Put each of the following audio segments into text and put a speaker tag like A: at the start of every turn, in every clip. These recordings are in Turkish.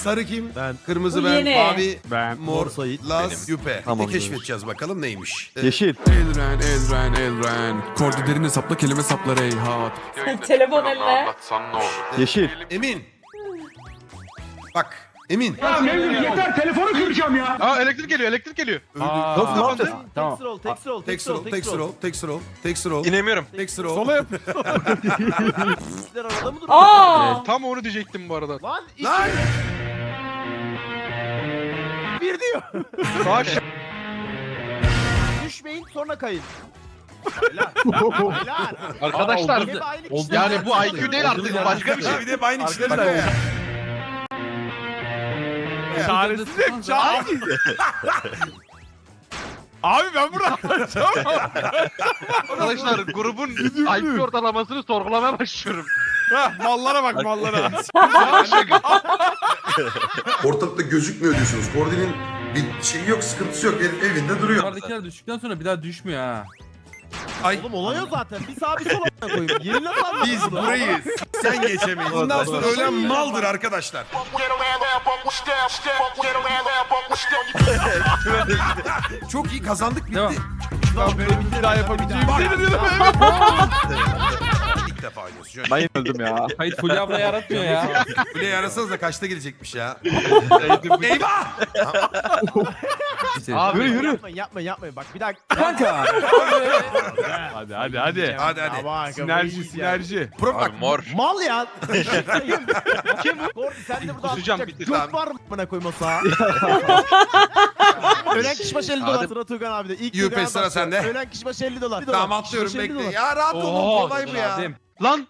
A: Sarı kim?
B: Ben.
A: Kırmızı
C: Bu
A: ben.
C: yeni.
A: Mavi
B: Ben.
A: mor.
B: Sait.
A: Laz. Yüpe.
D: Tamam,
A: Ne keşfedeceğiz bakalım neymiş.
D: Yeşil.
E: Elren. Koordinatörün hesapla kelime sapla reyhat.
C: Telefon eline.
D: Yeşil.
A: Emin. Bak. Emin.
F: Aa elektrik geliyor.
D: Nasıl ne yapacağız?
B: Tamam.
A: Text roll.
F: İnemiyorum.
A: Text roll.
B: Sola yap.
G: Arada mı duruyor?
C: Aa!
F: Tam onu diyecektim bu arada.
G: Lan iki.
A: Lan.
G: Bir diyor.
F: Sağ
G: Düşmeyin sonra kayın.
F: Arkadaşlar
G: Hep aynı
B: oldu.
G: kişi.
F: yani bu IQ değil artık başka bir şey.
A: Bir de aynı kişiler.
B: Arkadaşlar. Çaresiz hep çaresiz. Abi ben burada
F: Arkadaşlar grubun IQ ortalamasını sorgulamaya başlıyorum.
B: mallara bak mallara.
H: Ortalıkta gözükmüyor diyorsunuz. Koordinin bir şeyi yok, sıkıntısı yok. Evinde duruyor.
I: Yukarıdakiler düştükten sonra bir daha düşmüyor ha.
A: Ay
G: Oğlum olay o zaten. Bir sağa bir sola koyayım. Yerine sal.
A: biz burayı sen geçemeyiz. Bundan sonra ölen maldır arkadaşlar. Çok iyi kazandık bitti.
I: Devam.
B: Ben böyle bir daha yapabileceğim.
A: İlk defa oynuyorsun. Şöyle.
D: Ben öldüm ya.
I: Hayır Fulya abla yaratmıyor ya.
A: Kuleye arasanız da kaçta gelecekmiş ya. Eyvah!
F: Abi
D: Yürü.
G: Yapmayın. Bak bir dakika.
I: Kanka.
B: Hadi.
A: Hadi hadi.
G: Aman,
B: Sinerji.
A: Pro bak.
F: mor.
G: Mal ya. Kim bu? Kordi sen de burada
F: Kusacağım,
G: atlayacak
F: bitir.
G: göt var mı bana koyması ha? Ölen kişi başı 50 dolar sıra Tuğkan abi de. İlk
A: Yüpe,
G: Tuğkan
A: sıra
G: abi
A: sende.
G: Ölen kişi başı 50 dolar.
A: Tamam atlıyorum
G: Kişi başı 50
A: bekle.
G: dolar.
A: Ya rahat olun kolay bu ya.
I: Adem.
F: Lan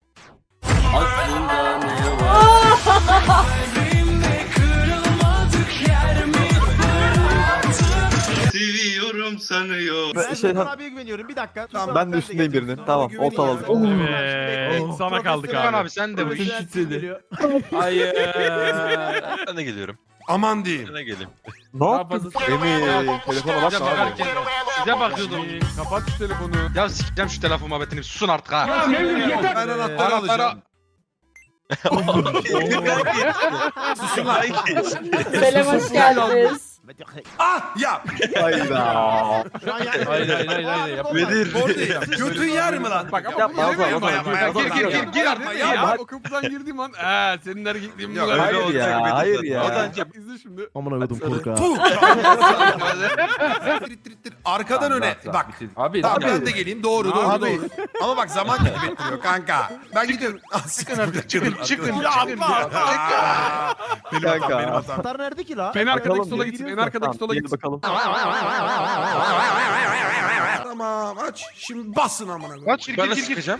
H: Seviyorum sanıyor.
G: Ben
D: Şey-
G: Tuğkan abiye güveniyorum. Bir dakika.
A: Tamam,
G: Tuğkan
D: Ben
G: abi,
D: de
G: sen
D: üstündeyim
G: geleceksin.
D: birinin. Tamam
A: güveneyim
D: ortaladık.
A: ya.
B: Evet. Sana kaldık
F: Tuğkan
B: abi.
F: abi sen de bu iş.
G: Geliyor.
I: Hayır.
H: Ben de geliyorum.
A: Aman diyeyim.
H: Ben de geleyim.
D: Ne
I: Daha
D: yaptın?
I: fazla-
D: Emin. Telefona bak
F: Size
D: abi.
F: bakarken size bakıyordum.
B: Kapat şu telefonu.
F: Ya sikeceğim şu telefon muhabbetini. Susun artık ha.
A: Ben anahtarı alacağım. Susun lan.
C: Selam hoş geldiniz.
A: Ah ya.
D: Hayda.
G: Şu an
I: Hayır.
A: Kordi. Götün yer mi lan?
B: Bak ama
D: Yapma, yapma, yapma.
F: Gir
A: yapma
B: ya.
A: ya.
B: O kapıdan girdiğim an senin erkekliğin bu
A: Yok,
B: kadar.
D: Hayır ya. Hayır ya.
B: İzle şimdi.
G: Amına koydum korka.
A: Puh. Arkadan öne. Bak.
I: Abi.
A: Tamam
I: abi.
A: ben de geleyim. Doğru doğru
B: Abi.
A: doğru. Ama bak zaman kaybettiriyor kanka. Ben gidiyorum.
F: Çıkın artık çıkın.
A: Benim hatam
D: Kanka.
A: benim hatam.
G: Anahtar nerede ki la?
B: En arkadaki
D: Bakalım,
B: sola
D: bir
B: gitsin. En
D: gidiyoruz.
B: arkadaki sola
D: Tamam,
B: gitsin.
D: bakalım.
A: Tamam aç. Şimdi basın amına koyayım.
F: Kaç gir
H: Ben de
F: gir gir.
H: sıkacağım.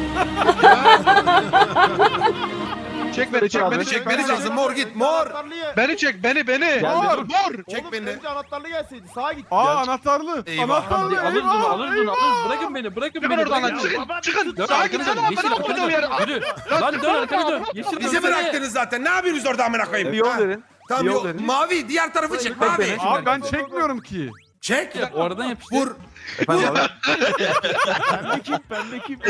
F: Çek beni çek beni çek
A: Çekmeniz
F: beni.
A: lazım. Mor git mor.
G: Anahtarlıya.
F: Beni çek beni.
G: Mor.
F: Mor.
A: Çek
G: Oğlum,
A: beni.
G: önce anahtarlı gelseydi sağa git.
B: Anahtarlı.
A: Eyvah.
B: Anahtarlı.
I: Alırız onu alırız onu alırız. Bırakın beni bırakın
F: Çıkın
I: beni.
F: oradan lan
I: bırakın.
F: çıkın. Çıkın.
I: Dön
F: Sağa
I: arkana
F: gitsene
I: dön.
F: lan.
I: Yeşil
F: Ben
I: arkana
F: okuduğum yere.
I: dön. Yürü. Lan dön arkana dön. Yeşil
A: Bizi
I: dönsene.
A: bıraktınız zaten. Ne yapıyorsunuz orada amına koyayım?
D: Bir yol
A: Ha?
D: verin.
A: Tamam
D: bir yol
A: yol.
D: verin.
A: Mavi diğer tarafı çek.
D: Bek
A: Mavi.
D: beni.
B: Abi ben çekmiyorum ki.
A: Çek.
I: O aradan yapıştır.
A: Vur.
D: Efendim abi.
G: Ben de kim?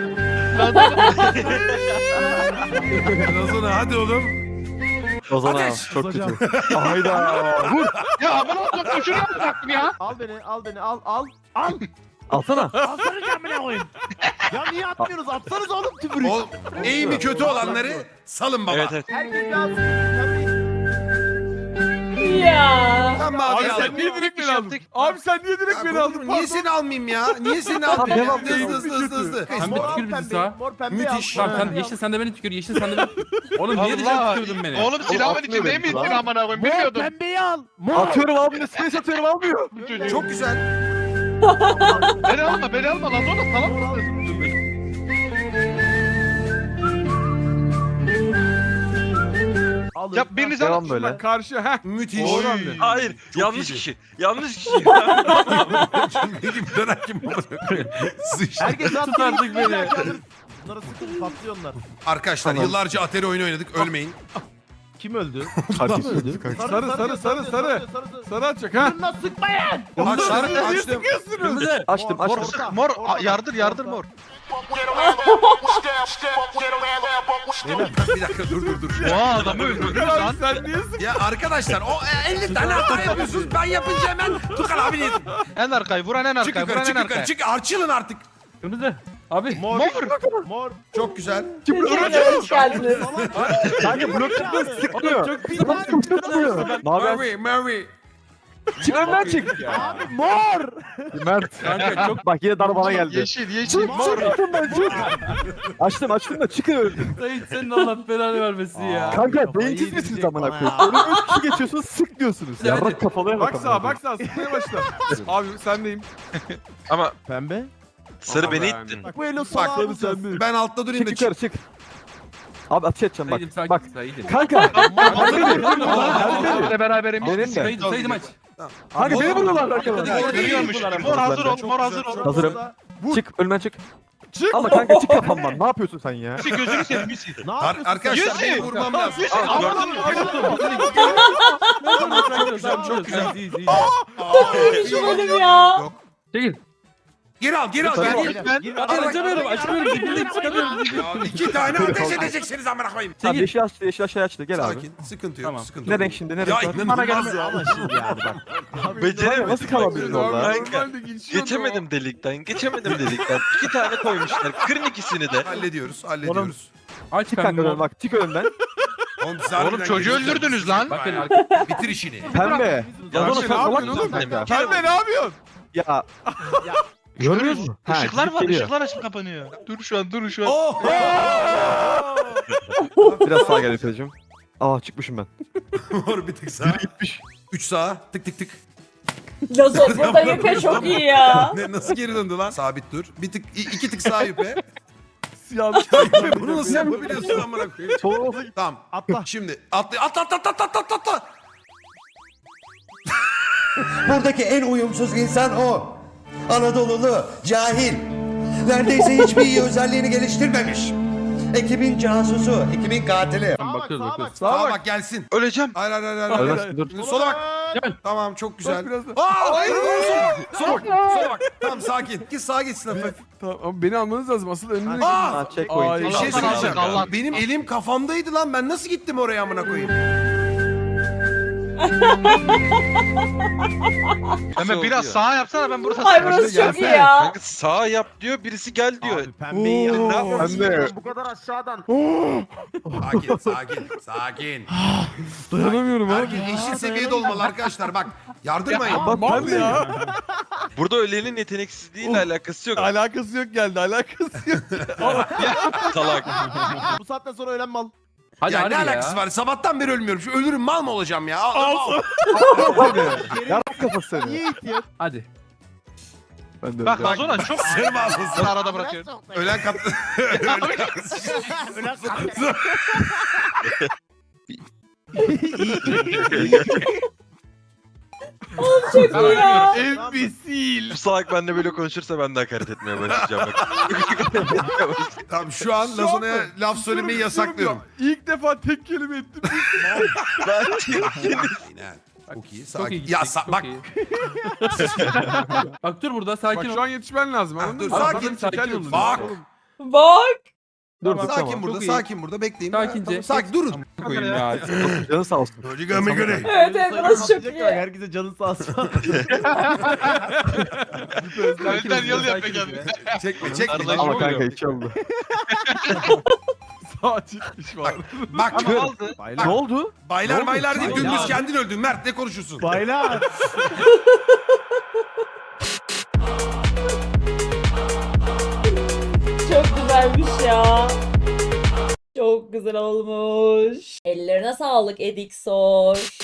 A: Ozan hadi oğlum.
D: Ozan abi
A: Ateş.
D: çok kötü. Hayda. Vur.
F: Ya bana olacak şunu yapacaktım ya.
G: Al beni al.
D: Alsana.
G: Alsana camına koyayım. Ya niye atmıyoruz? Atsanız oğlum tübürü.
A: O eğimi kötü olanları salın baba.
H: Evet evet.
G: Herkes lazım.
C: Ya.
A: Sen
B: Abi
A: mavi
B: sen
A: al.
B: niye direkt beni aldın? Abi sen niye direkt beni aldın?
A: Niye seni almayayım ya? Niye seni almayayım?
D: devam,
A: Hızlı.
I: Sen bir tükür bizi sağa.
G: Mor pembe
A: Müthiş.
G: al.
I: Tamam sen yeşil sen de beni tükür. Yeşil sen de beni. Oğlum niye
F: Allah.
I: dışarı tükürdün beni?
F: Oğlum silahımın
D: atmıyor
F: içinde
D: beni
F: mi
D: lan.
F: ittin amına koyayım
G: Mor
F: bilmiyordum.
G: pembeyi al. Mor.
D: Atıyorum almıyor. Space atıyorum almıyor.
A: Çok güzel.
F: Beni alma lan oğlum salak mısın?
G: Alın.
F: Ya biriniz
D: Devam
F: alın.
D: böyle.
B: Bak karşı. Heh.
A: Müthiş.
B: Oy.
H: Hayır. Yanlış
A: iyiydi.
H: kişi. Yanlış kişi.
A: Peki bir dönem kim bu? Sıçtı.
G: Herkes at.
I: Tut artık beni.
G: Bunları sıkın patlıyor onlar.
A: Arkadaşlar
D: Tamam.
A: yıllarca Atari oyunu oynadık. Ölmeyin.
G: Kim öldü?
D: Kardeşim.
B: Sarı. Sarı atacak ha.
G: Bununla sıkmayın.
A: Açtım.
B: Kırmızı.
D: Açtım
F: Mor
D: açtım.
F: sık mor. Yardır mor.
A: Bir dakika dur.
F: Oha adamı öldürdünüz
B: Abi
F: lan.
B: sen niye sıkıyorsun?
A: Ya arkadaşlar o 50 tane hata yapıyorsunuz. Ben yapınca hemen Tukan abi ne?
F: En arkayı vuran en
A: Çık
F: arkayı
A: yukarı
F: vuran
A: çık
F: en
A: yukarı
F: arkayı.
A: çık. Açılın artık.
I: Kırmızı. Abi.
F: Mor.
G: Mor.
A: Çok güzel.
C: Türkiye'ye hoş geldiniz.
D: Kanka blok çıkmıyor sıkmıyor.
I: Çok pis.
A: Murray, Murray.
D: Çık önden çık.
G: Abi mor.
D: Mert.
I: Kanka çok
D: Bak yine dar bana geldi.
F: Yeşil.
D: Çık ben çık. Açtım da çıkın öldüm.
I: Sayın senin Allah belanı vermesin ya.
D: Kanka beyinsiz misiniz amına koyayım? Önüme 3 kişi geçiyorsunuz sık diyorsunuz.
I: Hadi.
D: Yarrak kafalıya
B: Bak
D: bak.
B: sağa bak sağa sıkmaya başla. Abi sendeyim.
J: Ama
G: Pembe.
J: sarı beni
B: Aman
J: ittin.
G: Bak bu elo
A: Bak
G: sola alacağız.
A: ben altta durayım da
D: Çık
A: çık.
D: yukarı çık. Abi ateş edeceğim bak.
I: Saydım sakin.
D: Bak.
I: Saydım.
D: Kanka.
F: Benimle beraberim.
D: Benim de.
I: Saydım aç.
D: Kanka beni vuruyorlar arkadan.
F: Geliyormuş. Mor hazır ol. Mor hazır ol.
D: Hazırım.
B: Vur.
D: Çık önümden çık.
B: Çık.
D: Ama kanka çık kafamdan. Ne yapıyorsun sen ya?
F: Misi gözünü seveyim Misi.
G: Ne yapıyorsun?
A: Arkadaşlar
F: Yüzü.
A: beni vurmam lazım.
I: Çok güzel.
C: Şu bölüm ya.
A: Yok.
I: Çekil.
A: Geri al geri.
I: Açamıyorum. Açamıyorum. Çıkamıyorum.
A: Ya 2 tane ateş edeceksiniz amına koyayım.
D: Tamam
I: Çekil.
D: yeşil aşağı açtı. Gel abi.
A: Sakin. Sıkıntı yok.
I: Tamam.
A: Sıkıntı
D: Ne
A: yok.
D: renk şimdi? Ne
A: Ya
D: renk var?
A: inanılmaz ya.
G: Ama şimdi yani bak.
J: Beceremedim.
D: Nasıl kalabiliriz orada?
J: Geçemedim delikten. 2 tane koymuşlar. Kırın ikisini de.
A: Hallederiz.
I: Aç
D: Çık kanka
I: kanka.
D: bak çık önümden.
F: Oğlum çocuğu öldürdünüz lan.
I: Bakın
A: Bitir işini.
D: Pembe. Ya
J: Yanlış
D: bunu sen salak
B: yapıyorsun
D: mısın kanka?
B: Pembe ne yapıyorsun?
D: Ya. Görmüyor musun? Ha,
F: Işıklar
D: gidip
F: var.
D: geliyor.
F: Işıklar açıp kapanıyor. Dur şu an.
A: Oh!
D: Biraz sağa gel Efe'cim. Aa çıkmışım ben.
A: Mor bir tık sağa. 3 sağa. Tık tık tık.
C: Lazo burada yüpe çok iyi ya.
A: Ne, nasıl geri döndü lan? Sabit dur. Bir tık 2 tık sağa yüpe.
B: Yanlış.
A: Bunu nasıl yapabiliyorsun amına koyayım? Tamam.
G: Atla.
A: Şimdi atla.
K: Buradaki en uyumsuz insan o. Anadolulu, cahil. Neredeyse hiçbir iyi özelliğini geliştirmemiş. Ekibin casusu, ekibin katili.
I: bakıyoruz.
A: Sağa bak gelsin.
J: Öleceğim.
A: Hayır.
D: Ölmezsin, dur.
A: Şimdi sola bak.
I: Gel.
A: Tamam çok güzel.
B: biraz da.
A: Aa, hayır. Sola bak. Tamam sakin. Git sağa geçsin hafif.
B: Tamam ama beni almanız lazım. Asıl önüne.
A: Aa!
D: Ha checkpoint.
B: Ay,
A: Bir şey
F: Allah
A: söyleyeceğim.
F: Allah.
A: Benim elim kafamdaydı lan. Ben nasıl gittim oraya amına koyayım?
F: Hemen biraz sağa yapsana ben burada.
C: Ay burası çok iyi ya.
J: Kanka sağ yap diyor, birisi gel diyor.
G: Abi pembeyi ya.
J: Ne yapıyorsun?
D: Pembe.
G: Bu kadar aşağıdan.
A: Sakin.
B: Dayanamıyorum abi.
A: Herkes eşit seviyede olmalı arkadaşlar. Bak yardırmayın.
D: Bak pembe ya.
J: Burada ölenin yeteneksizliğiyle alakası yok.
B: Alakası yok geldi. Alakası yok.
J: Salak.
G: Bu saatten sonra ölen mal.
I: Hadi
A: Ya
I: hadi
A: ne
I: ya.
A: alakası var? Sabahtan beri ölmüyorum. Şu ölürüm mal mı olacağım ya?
D: Yarrak kafası seni.
G: Niye itiyor?
I: Hadi.
D: Ben de
F: Bak
D: öyle.
F: Lazona çok
A: Sırma ağzını.
F: arada bırakıyorum.
A: Ölen kat...
G: Ölen
C: Çok iyi ya.
B: Embesil.
J: Bu salak benimle böyle konuşursa ben de hakaret etmeye başlayacağım bak.
A: Tamam şu an Lazona'ya laf söylemeyi yasaklıyorum.
B: İlk defa tek kelime ettim.
A: Yine. Çok iyi.
I: Çok
A: Sakin.
I: iyi.
A: Ya
I: gittik, çok
A: bak.
I: iyi. Bak dur burada
B: Bak
I: sakin
B: şu
I: ol.
B: an yetişmen lazım.
A: Ha,
B: Anladın
A: dur,
B: mı?
A: sakin,
B: Adam
I: sakin
B: çeker
I: olun.
B: yolunu.
A: Bak.
C: Bak.
D: Dur
A: Sakin
D: tamam.
A: burada,
I: Çok iyi.
A: sakin burada. Bekleyin.
I: Sakince.
A: Tamam, sakin durun.
I: Koyayım ya.
D: Canın sağ olsun.
C: Evet evet burası çok iyi.
G: Herkese canın sağ olsun.
F: Önden yol yap be kendine.
A: Çekme.
F: Arada
D: Ama
F: oluyor.
D: kanka hiç oldu.
B: Sağ çıkmış var.
A: Bak.
F: Aldı.
D: Ne oldu?
A: Baylar değil.
G: Ya.
A: Dümdüz kendin öldün. Mert ne konuşuyorsun?
G: Baylar.
C: Çok güzelmiş ya. Çok güzel olmuş. Ellerine sağlık Edixor.